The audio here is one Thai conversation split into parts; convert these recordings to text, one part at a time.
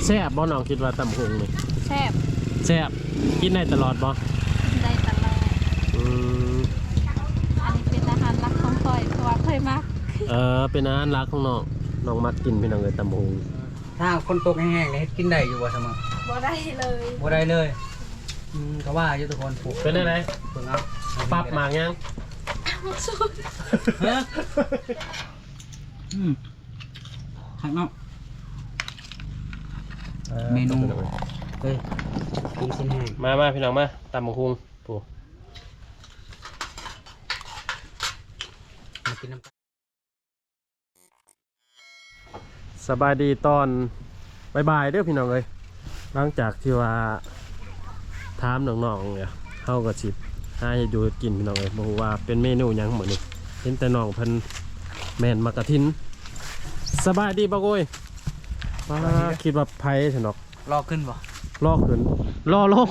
แซ่บบ่น้องคิดว่าตำหงนี่แซ่บแซ่บกินได้ตลอดบ่ได้ตลอดอันนี้เป็นอาหารหลักของคอยเพราะว่าเคยมากเป็นอาหารหลักของน้องมักกินพี่น้องเลยตำหงถ้าคนตกแห้งๆนี่กินได้อยู่บ่เสมอบ่ได้เลยบ่ได้เลยก็ว่าอยู่ทุกคนปลูกเป็นอะไรเพิ่งเอาปรับหมากยังสุดฮะข้างนอกเมนูเฮ้ยกินชิ้นแห้งมาพี่น้องมาตำบักหุ่งปูมากินน้ำสบายดีตอนบ่ายๆเด้อพี่น้องเลยหลังจากที่ว่าถามน้องๆเนี่ยเข้ากับชิบให้อยู่กินพี่น้องเลยบอกว่าเป็นเมนูยังเหมือนนี่เห็นแต่น้องเพิ่นแม่นมากระทินสบายดีบ่โกยคิดว่าไผ่สนอกรอขึ้นบ่รอขึ้นรอลง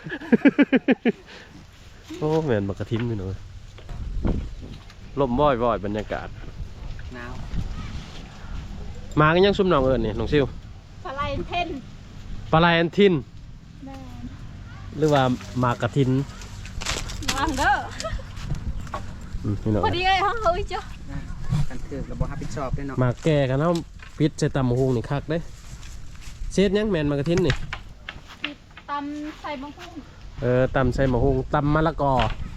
โอ้แม่นมากระทินพี่น้องลมบ่อยบรรยากาศหนาวมากันยังซุ่มน้องเอิญนี่น้องซิวปลาไหลเทนปลาไหลอันทินหรือว่ามากระทินมังเด้อพอดีเลยห้องเฮ้ยจ้ะกันคือระบบรับผิดชอบด้วยเนาะมาแก่กันเอาพิษใส่ตำมะฮุงนี่คักเด้เช็ดยังแมนมากระทินนี่ตำใส่มะฮุงตำใส่มะฮุงตำมะละกอ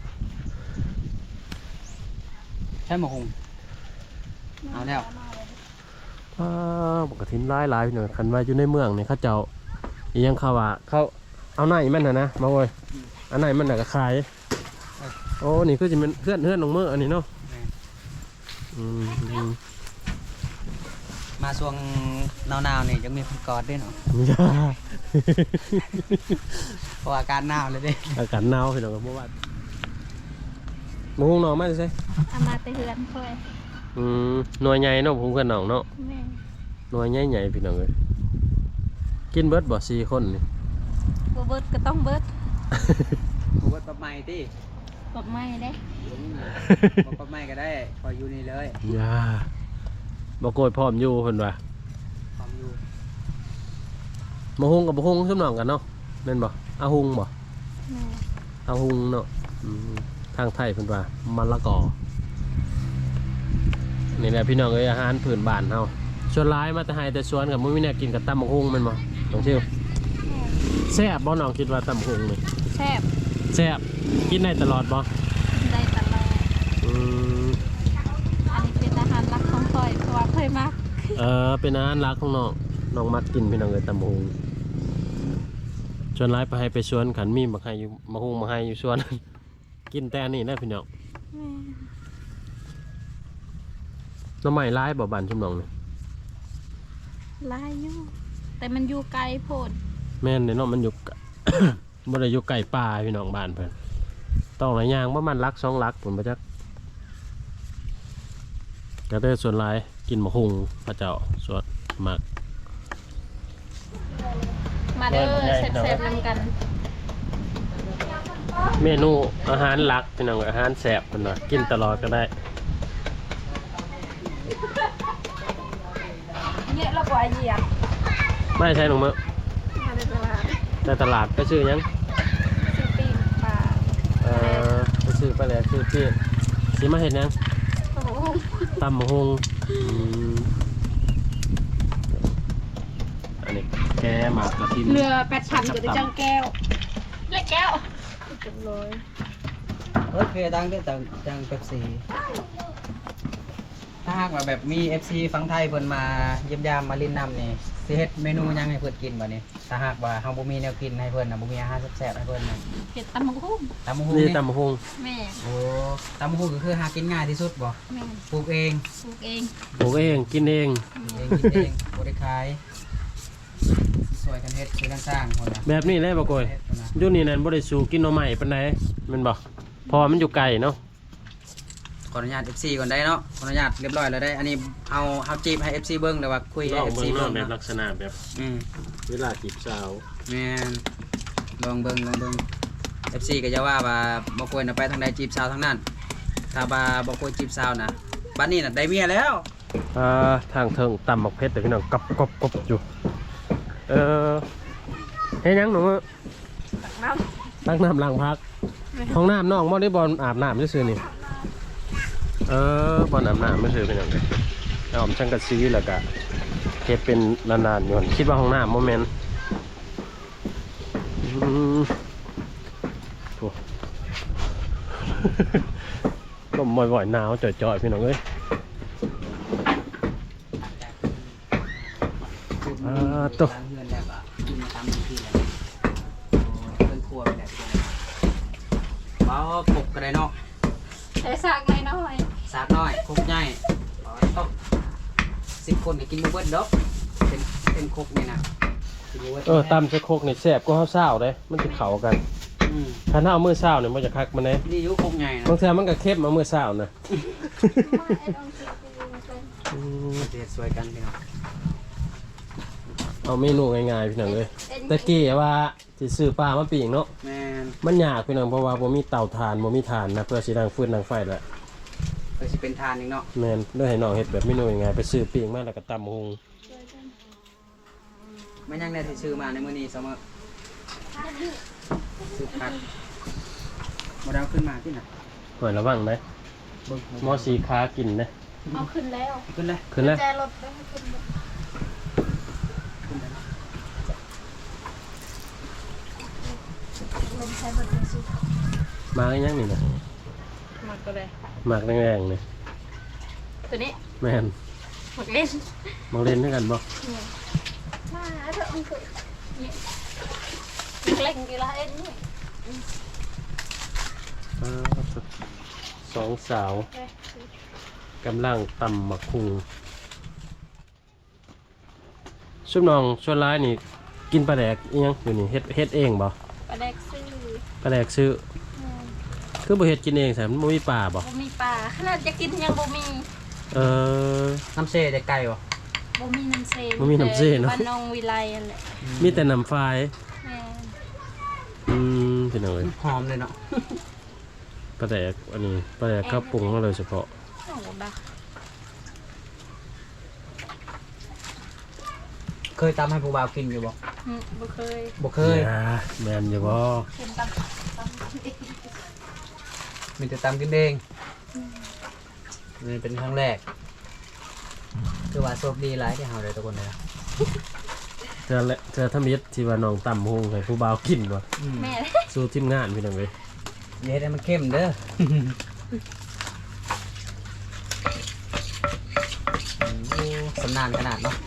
ใช่มะฮุงเอาแล้วมากระทินหลายพี่หน่อยคันว่าอยู่ในเมืองนี่เขาเจ้ายังเขาว่าเขาเอาไหนมันนะมาโว้ยอันไหนมันน่ะก็ขายโอ้นี่คือจะเป็นเพื่อนน้องเมื่ออันนี้เนาะมาช่วงหนาวๆนี่ยังมีคนกอดด้วยเนาะเพราะอากาศหนาวเลยดิอากาศหนาวพี่น้องเมื่อวานมะฮุงหน่อมาใช่เอามาแต่เฮือนคอยหน่วยใหญ่เนาะผมเพื่อนน้องเนาะหน่วยใหญ่พี่น้องเลยกินเบิร์ดบ่4 คนนี่เบิร์ดก็ต้องเบิร์ดเบิร์ดปรับใหม่ที่ปรับใหม่ได้ปรับใหม่ก็ได้พออยู่นี่เลยย่าบ่โกยพร้อมอยู่เพิ่นว่าพร้อมอยู่มะฮุงกับมะฮุงซุ่มน้องกันเนาะแม่นบ่อาฮุงบ่อาฮุงเนาะทางไทยเพิ่นว่ามะละกอนี่แหละพี่น้องเอ้ยอาหารพื้นบ้านเฮาชวนร้ายมาแต่ให้แต่ชวนกับมื้อนี้เนี่ยกินกับตำบักหุ่งแม่นบ่น้องชิวแซ่บบ่น้องคิดว่าตำบักหุ่งนี่แซ่บกินได้ตลอดบ่ได้ตลอดอันนี้เป็นอาหารหลักของคอยเพราะว่าเคยมากเป็นอาหารหลักของน้องมักกินพี่น้องเอ้ยตำบักหุ่งชวนร้ายไปให้ไปชวนขันมีบักให้อยู่บักหุ่งมาให้อยู่ชวนกินแต่นี่นะพี่น้องน้ำใหม่ร้ายบ่บานชุมน้องนี่ลายอยู่แต่มันอยู่ไกลโพดแม่นเนาะมันอยู่ บ่ได้อยู่ไกลป่าพี่น้องบ้านเพิ่นต้องหลายอย่างประมาณลัก2 ลักผมบ่จักก็ได้ส่วนหลายกินมะฮุงพระเจ้าส่วนมากมาเด้อแซ่บๆนำกันเมนูอาหารหลักพี่น้องอาหารแซ่บเพิ่นว่ากินตลอดก็ได้เยอะแล้วกว่าเหยียบไม่ใช่หนูมั้งในตลาดก็ชื่อยังชื่อปีนปลาก็ชื่อไปแล้วชื่อพี่สีมาเห็นยังตำมะฮุงอันนี้แกหมากกระทินเรือ8 ชั้นกับจังแก้วเล็กแก้วจังเลยเพดังด้วยจังเป๊ปซี่ถ้าหากว่าแบบมี FC ฝั่งไทยเพิ่นมาเยี่ยมยามมาลินนำนี่สิเฮ็ดเมนูยังให้เพิ่นกินบ่นี่ถ้าหากว่าเฮาบ่มีแนวกินให้เพิ่นน่ะบ่มีอาหารแซ่บๆให้เพิ่นน่ะเฮ็ดตำบักหุ่งนี่ตำบักหุ่งแม่โอ้ตำบักหุ่งก็คือหากินง่ายที่สุดบ่แม่ปลูกเองกินเองบ่ได้ขายสวยกันเฮ็ดช่วยกันสร้างคนน่ะแบบนี้เลยบ่โกยอยู่นี่นั่นบ่ได้สู่กินหน่อไม้ปานใดแม่นบ่เพราะมันอยู่ไกลเนาะขออนุญาต FC ก่อนได้เนาะขออนุญาตเรียบร้อยแล้วได้อันนี้เอาจีบให้ FC เบิ่งแล้วว่าคุยให้ FC เบิ่งแบบลักษณะแบบเวลาจีบสาวแม่นลองเบิ่ง FC ก็จะว่าบ่ควรไปทางใดจีบสาวทางนั้นถ้าบ่ควรจีบสาวนะบัดนี้น่ะได้เมียแล้วทางเทิงตำบักเพชรแต่พี่น้องกบอยู่เฮ็ดหยังหนูน้ตั้งน้ำล้างพักห้องน้ำน้องบ่ได้บอลอาบน้ำซื่อๆนี่บอลอาบน้ำไม่ซื่อเป็นหยังไงเอาอมช่างกระซีแล้วก็เฮ็ดเป็นนานๆอยู่คิดว่าห้องน้ำโมเมนต์โอ้ ลมบ่อยๆหนาวจ่อยๆพี่น้องเอ้ยตัวล้างเงินแล้วก็กินมาตามที่แล้วเพิ่นครัวไปแล้วบ่กบก็ได้เนาะำใช้สากไงน้อยสากน้อยครกใหญ่ต้อง10 คนนี่กินบ่เบิดดอกเป็นครกนี่นะกินบ่เบิดตำใส่โคกนี่แซ่บก็ข้าวเศร้าเลยมันจะเข้ากันถ้าเอามือเศร้าเนี่ยมันจะคักมันเลยนี่อยู่ครกใหญ่นะบางเทื่อมันก็เข้มมามือเศร้านะเฮ็ดสวยกันพี่น้องเอาเมนูง่ายๆพี่น้องเลยตะกี้ว่าสิซื้อปลามาปิ้งเนาะแม่นมันยากพี่น้องเพราะว่าบ่มีเตาถ่านบ่มีถ่านนะเพื่อสิดังฟืนดังไฟแหละเพื่อสิเป็นทานอีกเนาะแม่นเลยให้น้องเฮ็ดแบบเมนูง่ายๆไปซื้อปิ้งมาแล้วก็ตำหุงมันยังได้ที่ซื้อมาในมื้อนี้เสมอซื้อผักบ่ได้เอาขึ้นมาที่น่ะหอยระวังได้เบิ่งหมอสีค้ากินนะเอาขึ้นแล้วขึ้นเลยขึ้นแล้วแจรถได้ขึ้นแล้วขึ้นเลยลมใช้บทเป็นสุดมาอีหยังนี่นะหมดก็เลยหมากแดงๆนี่ตัวนี้แม่นหมดเล่นมาเล่นด้วยกันบ่มาเถอะมันคือเนี่ยเล่นกีฬาเอ็นนี่สองสาวกำลังตำหมักคุงชุบน้องชวนร้ายนี่กินปลาแดกอีหยังอยู่นี่เฮ็ดเองบ่ปลาแดกซื้อปลาแดกซื้อคือบ่เฮ็ดกินเองใช่มันบ่มีปลาบ่บ่มีปลาขนาดจะกินยังบ่มีน้ำเซได้ไก่บ่บ่มีน้ำเซบ่มีน้ำเซเนาะบ้านนองวิไลนั่นแหละมีแต่น้ำฝายแม่พี่น้องเอ้ยหอมเลยเนาะปลาแดกอันนี้ปลาแดกข้าวปรุงมาเลยเฉพาะโอ้ดาเคยตำให้ผู้บ่าวกินอยู่บ่บ่เคยบ่เคยอย่าแม่นอยู่บ่เห็นตำเองมีแต่ตำกินเองนี่เป็นครั้งแรกคือว่าโชคดีหลายที่เฮาได้ทุกคนเลยนะเธอทำมิตรที่ว่าน้องตำหุงให้ผู้บ่าวกินบ่แม่สู้ทีมงานพี่น้องเอ้ยเดี๋ยวให้มันเข้มเด้อ สำนานขนาดเนาะ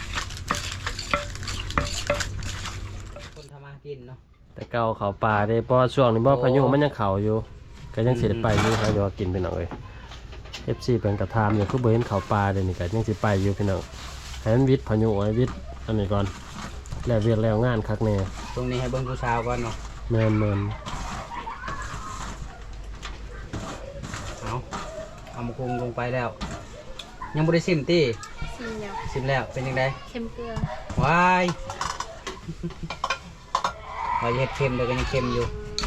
คนทำมากินเนาะแต่เก่าเขาป่าได้เพราะช่วงนี้บ่พายุมันยังเข้าอยู่ก็ยังสิได้ไปอยู่ครับเดี๋ยวกินพี่น้องเอ้ย FC เพิ่นก็ถามอยู่คือบ่เห็นเขาป่าเดี๋ยวนี้ก็ยังสิไปอยู่พี่น้องให้มันวิทย์พายุไว้วิทย์อันนี้ก่อนแล้วเวียกแล้วงานคักแน่ตรงนี้ให้เบิ่งผู้สาวก่อนเนาะแม่นเอามาคุงลงไปแล้ว ยังบ่ได้ซิมตี้ซีเนียวซิมแล้วเป็นยังไงเค็มเกลือว้ายว่าเฮ็ดเค็มเดี๋ยวก็ยังเค็มอยู่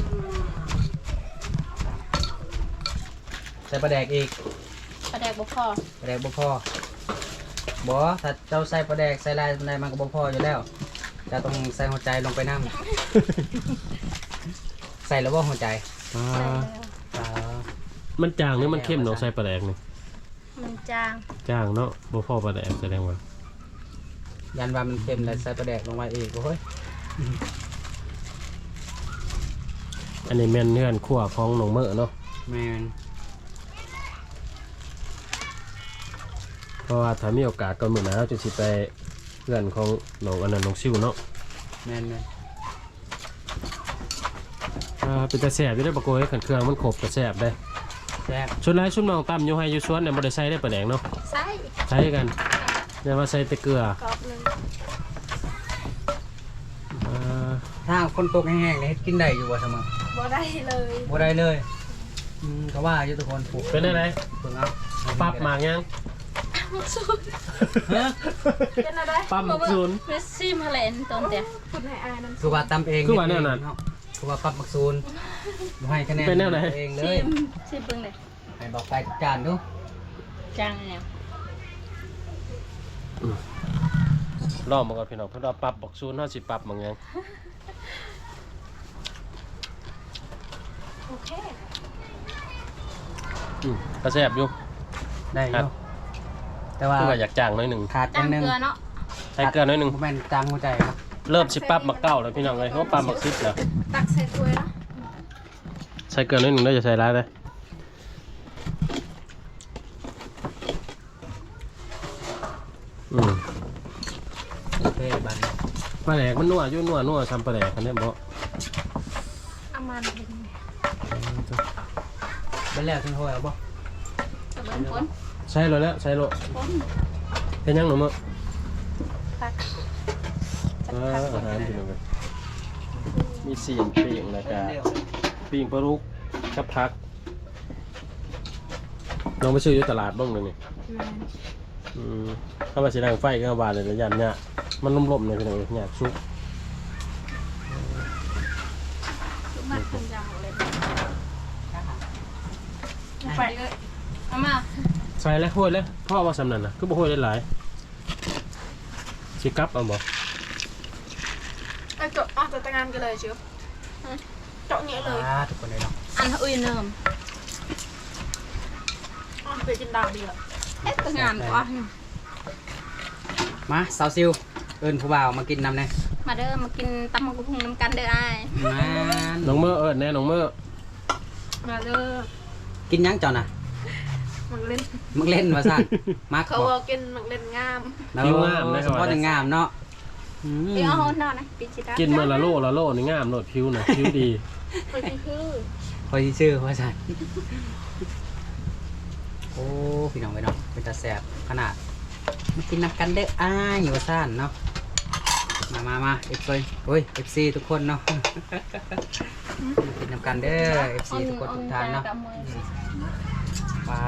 ใส่ปลาแดกอีกปลาแดกบ่พอปลาแดกบ่พอบ่ถ้าเจ้าใส่ปลาแดกใส่ลายในมันก็บ่พออยู่แล้วจะต้องใส่หัวใจลงไปนำ ใส่แล้วบ่หัวใจๆใส่แล้วมันจางหรือมันเข้มเนาะใส่ปลาแดกนี่มันจางจางเนาะบ่พอปลาแดกแสดงว่ายันว่ามันเค็มแล้วใส่ปลาแดกลงไปอีกโอ้ยอันนี้แม่นเฮือนครัวของน้องเมอเนาะแม่นเพราะว่าถ้ามีโอกาสก็มื้อหน้าเราจะสิไปเฮือนของน้องอันนั้นน้องซิวเนาะแม่นเป็นตาแซ่บอยู่ได้อบ่โกยคันเครื่องมันครบก็แซ่บได้แซ่บส่วนหลายชุดน้องตำอยู่ให้อยู่สวนเนี่ยบ่ได้ใส่ได้ปลาแดกเนาะใส่ใช้กันเนี่ยว่าใส่แต่เกลือกรอบหนึงถ้าคนตกแห้งๆนี่เฮ็ดกินได้อยู่บ่เสมอบ่ได้เลยบ่ได้เลยก็ว่าอยู่ทุกคนปลูกเป็นได้ไรเพิ่งเอาปรับหมากยังมักซูนฮะเป็นอะไรปั๊มหมักซูนเมสซี่มาเล่นตอนเดียวคุณให้อายน้ำคือว่าตำเองคือว่าแนวนั้นเาะคือว่าปรับหมักซูนบ่ให้คะแนนเป็นแนวไหนเองเลซิยมซิมเบิ่งเลยให้บอกไปจัดจานดูจางเนี่ยลองมาก่อนพี่น้องเพิ่นว่าปรับบักซูนเฮาสิปรับบางหยังโอเคก็แซ่บอยู่ได้อยู่แต่ว่าคือว่าอยากจ้างหน่อยหนึงขาดอตั้ย่าง งหนึงเกลือเนาะใส่เกลือหน่อยหนึงบ่แม่นจางหัวใจครับเริ่มสิปรับบักเก้าแล้วพี่น้องเอ้ยเพราะว่าปรับบัก10แล้วตักใส่ถ้วยเนาะใส่เกลือหน่อยหนึงได้จะใส่หลายเลยอืมโอเคบัดนี้ปลาแหลกมันนัวอยู่นัวซ้ำปลาแหลกคันนี้บ่เอามาเป็นเป็นแล้วถึงโหยเอาบ่ตะเบินพ้นใส่เลยแล้วใส่โลพ้นเป็นยังหนูมื้อตักอาหารพี่น้องเอ้ยมีซีนปิ้งแล้วก็ปิ้งปลาลูกกับผักลองไปซื้ออยู่ตลาดบ้างเลยนี่ถ้ามาสีดังไฟก็บานเลยระยะเนี่ยมันล่มๆเลยพี่น้องเนี่ยซุกทุกมันทำยำเลยไปเลยเอามาใส่แล้วห้วยแล้วพ่อว่าสำนันนะก็บ่ห้วยได้หลายสิกลับเอาบ่ไอ้เจาะจะแต่งงานกันเลยเชียวเจาะเงี้ยเลยทุกคนเลยเนาะอันอุ้ยเนิ่มไปกินดาวดีละเอ๊ะงานกว่ามาสาวซิวเอิ้นผู้บ่าวมากินน้ำแน่มาเด้อมากินตำมะกรูดน้ำกันเด้อไอ้มาน้องเมื่อแน่น้องเมื่อมาเด้อกินหยังเจ้าน่ะมันเล่นมึงเล่นว่าซั่นมักเขาบ่บอกกินมันเล่นงามผิวงามนะเฉพาะแต่งามเนาะอืมเดี๋ยวเอาหน่อยนะปิจิตากินเมื่อละโลนี่งามโลดผิวน่ะผิวดีไปกินคือคอยสิชื่อว่าซั่นโอ้พี่น้องไปเนาะเป็นตาแซ่บขนาดมากินน้ำกันเด้ออ้ายว่าซั่นเนาะมาเอฟซีโอ้ย FC ทุกคนเนาะกินน้ำกันเด้อ FC ทุกคนทุกท่านเนาะว้า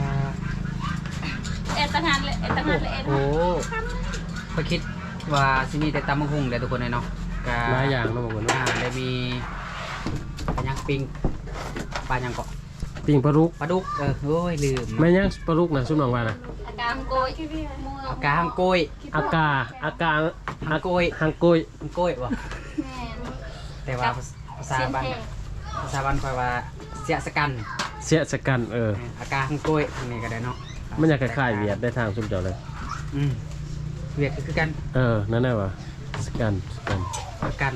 เอ็ดตั้งงานเลยเอ็ดตั้งงานเลยเอ็ดโอ้ก็คิดว่าที่นี่แต่ตำมะฮุงเลยทุกคนเลยเนาะก็หลายอย่างเนาะบางคนได้มีปลายังปิ้งปลายังเกาะปิ้งปลาลูกปลาดุกโอ้ยลืมแม่ยังปลาลูกน่ะซุปน้องว่าน่ะอาการโกยมือเอากาฮังโกยอากาฮังโกยฮังโกยฮังโกยวะแม่แต่ว่าภาษาบ้านภาษาบ้านคอยว่าเสียสกันเสียสกันอากาฮังโกยทางนี้ก็ได้เนาะมันอยากคล้ายๆเวียดได้ทางซุปเจ้าเลยอืมเวียดคือกันนั่นแหละว่ะสกันสกันสกัน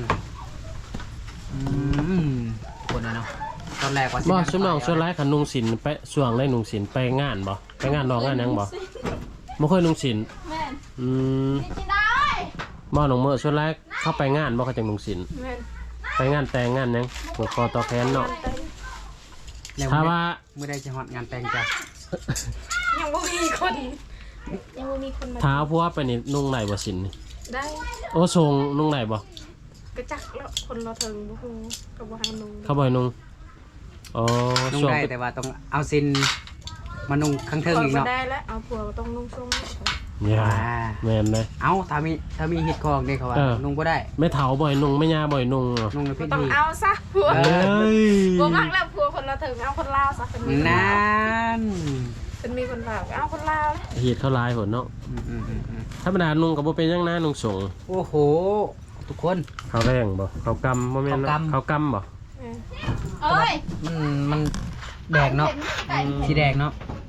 คนเลยเนาะตอนแรกว่าบ่ซุปน้องส่วนหลายคันนุ่งสินไปช่วงได้นุ่งสินไปงานบ่ไปงานน้องงานหยังบ่บ่เคยนุ่งสินแม่บ่น้องเมื่อส่วนหลายเข้าไปงานบ่เขาจังนุ่งสินแม่นไปงานแต่งงานหยังผูกคอต่อแขนเนาะแล้วถ้าว่าเมื่อใดจะฮอดงานแต่งจ้ะยังไม่มีคนยังไม่มีคนมาเท้าผัวไปนี่นุ่งไหนบ่สินนี่ได้โอ้ทรงนุ่งไหนบ่กระจักแล้วคนเราถึงบุ้งกับบุหังนุ่งเขาบ่ให้นุ่งอ๋อนุ่งช่วงได้แต่ว่าต้องเอาซินมานุ่งข้างเทิงอีกมาเนาะได้แล้วเอาผัวต้องนุ่งทรงเนี่ยแม่นเลยเอาถ้ามีฮิตคองเนี่ยเขาว่าเออนุ่งก็ได้ไม่เฒ่าบ่ให้นุ่งไม่ย่าบ่ให้นุ่งนุ่งในพิต้องธีเอาซะผัวเอเอ้ยผัวมักแล้วผัวคนเราถึงเอาคนลาวซะเป็นมีนั่นเป็นมีคนลาวเอาคนลาวเฮ็ดเขาหลายหนเนาะธรรมดานุ่งก็บ่เป็นหยังนะนุ่งสงโอ้โห ทุกคนเขาแรงบ่เขากำบ่แม่นเนาะเขากำบ่เอ้ยมันแดงเนาะสีแดงเนาะ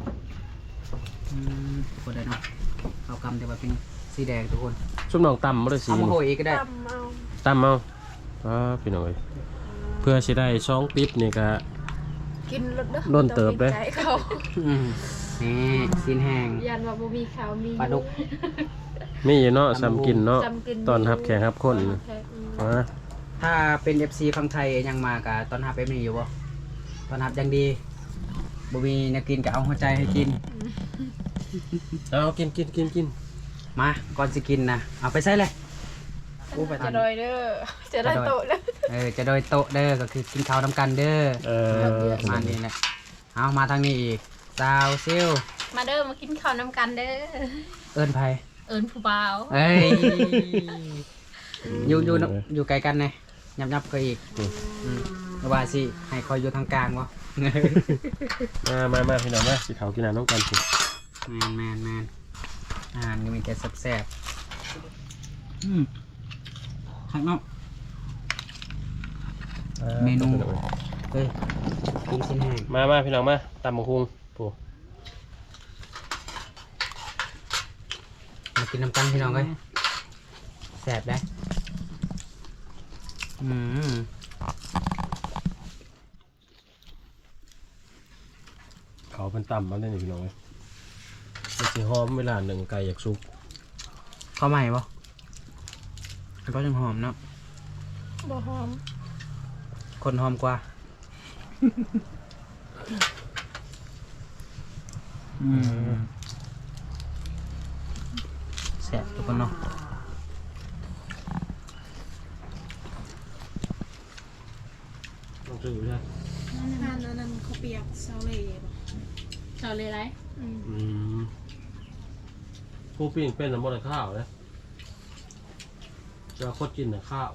ทุกคนได้เนาะเอากำแต่ว่าเป็นสีแดงทุกคนซุปน้องตำบ่ได้สีเอามาโหยอีกก็ได้ตำเอาตำเอาพี่น้องเอ้ยเพื่อสิได้2ปิ๊บนี่ก็กินรถเด้อโดนเติบเด้อใจเขานี่ซีนแห้งยันว่าบ่มีขาวมีปลาดุกมีอยู่เนาะซ้ำกินเนาะจำกินตอนรับแขกรับคนอ่าถ้าเป็น FC ฝั่งไทยยังมากะตอนรับเป็นอยู่บ่ตอนรับยังดีบ่มีแนวกินก็เอาหัวใจให้กินเอากินมาก่อนสิกินนะเอาไปใส่เลยอู้ไปจะทันโดยเด้อจะได้โตะแล้วจะโดยโต๊ะเด้อก็คือกินข้าวนำกันเด้อ มานี่แหละเอามาทางนี้อีกสาวซิลมาเด้อมากินข้าวน้ำกันเด้อเอิ้นไผเอิญผู้บ่าวเอ้ยอยู่ไกลกันไงยับก็อีกว่าสิให้คอยอยู่ทางกลางวะมาพี่น้องมาสิเขากินน้ำน้องกันสิแมนอาหารก็มีแต่แซ่บข้างนอกเมนูเฮ้ยกินชิ้นแห้งมาพี่น้องมาตำบักหุ่งปูมากินน้ำกันพี่น้องเลยแซ่บได้เขาเป็นตำมาได้นี่พี่น้องเลยมันสิหอมเวลาหนึ่งไก่อยากสุกข้าวใหม่ปะก็ยังหอมเนาะบ่หอมคนหอมกว่าแซ่บทุกคนเนาะลองซื้อใช่นั่นเขาเปียกเซาเล่บ่เอาเลยไรผู้ปิ้งเป็นน้ำมันข้าวนะจะโคตรกินแต่ข้าว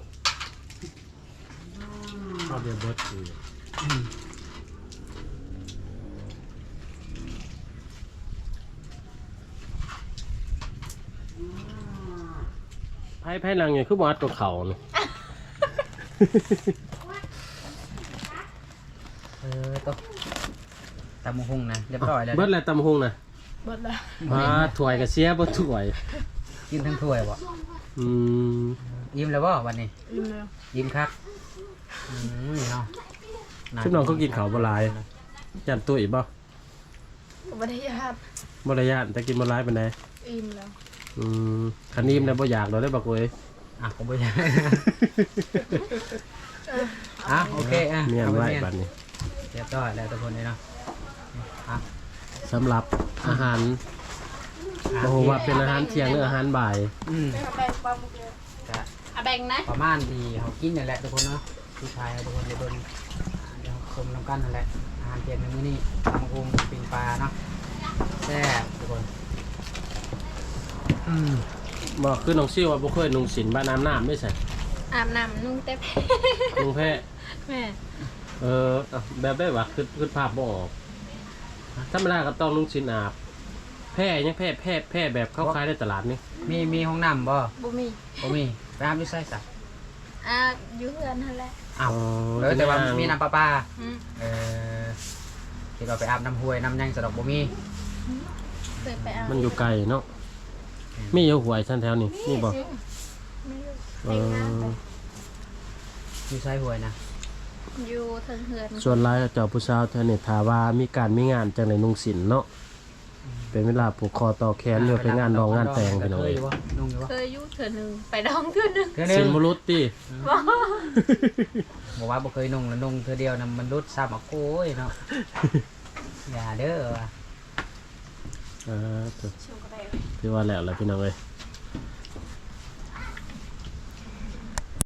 เดียวเบิร์ดคือไพ่หลังเนี่ยคือวัดกับเขาเนาะตัวตำมะฮุ่งนะเรียบร้อยแล้วเบิร์ดอะไรตำบักหุ่งนะเบิดละมาถ้วยกับเสียบ่ถ้วยกินทั้งถ้วยบ่อิ่มแล้วบ่วันนี้อิ่มแล้วยิ้มครับนี่เนาะชุบน้องเขากินข้าวบหลายยันตุ้ยบ่บ่ได้ยาดบ่ระยานแต่กินบหลายเป็นไงอิ่มแล้วคันนี้มันบ่อยากเราได้บักเว้ยผมไม่ใช่โอเคเมียนเอาไว้เมียนบัดนี้เรียบร้อยแล้วทุกคนเลยเนาะสำหรับอาหารบ่ฮู้ว่าเป็นอาหารเที่ยงหรืออาหารบ่ายไปหาแป้งปลาหมึกเลยเอาแบ่งนะประมาณดีเขากินนั่นแหละทุกคนเนาะผู้ชายทุกคนจะโดนเดี๋ยวชมน้ำกันนั่นแหละอาหารเย็นในมื้อนี้ตำบักหุ่งปิ้งปลาเนาะแซ่บทุกคนบ่คือน้องซิ่วว่าบ่เคยนุ่งสินบ้านน้ำไม่ใส่อาบน้ำนุ่งเต็มนุ่งแพ้แม่แบบได้ว่าคือภาพบ่ออกธรรมดาก็ต้องนุ่งสินอาบแพ้ยังแพ้แบบเข้าขายในตลาดนี่มีห้องน้ำบ่บ่มีบ่มีไปอาบอยู่ไสซะอยู่เฮือนนั่นแหละอ้าวแต่ว่ามีน้ำประปาอืมคิดว่าไปอาบน้ำห้วยน้ำยังสะดอกบ่มีเคยไปเอามันอยู่ไกลเนาะมีอยู่หวยชั้นแถวนี่นี่บ่ไม่รู้เอออยู่ไสห้วยนะอยู่เทิงเฮือนส่วนหลายเจ้าผู้สาวแถวนี้ถ้าว่ามีการมีงานจังได๋นุ่งสินเนาะเป็นเวลาผูกคอต่อแขนอยู่ไปงานดองงานแต่งพี่น้องเคเอ้ยยอยู่บ่นุ่งอยู่บ่เคยอยู่เทื่อหนึงไปดองเทื่อหนึงเทื่อหนึสินงบ่รุดติบอกว่าบ่เคยนุ่งแล้วนุ่งเธอเดียวนะมันรุดซ้ำอ่ะโอ้ยเนาะ อย่าเด้อว่ะเออชิมก็ได้ที่ว่าแล้วล่ะพี่น้องเอ้ย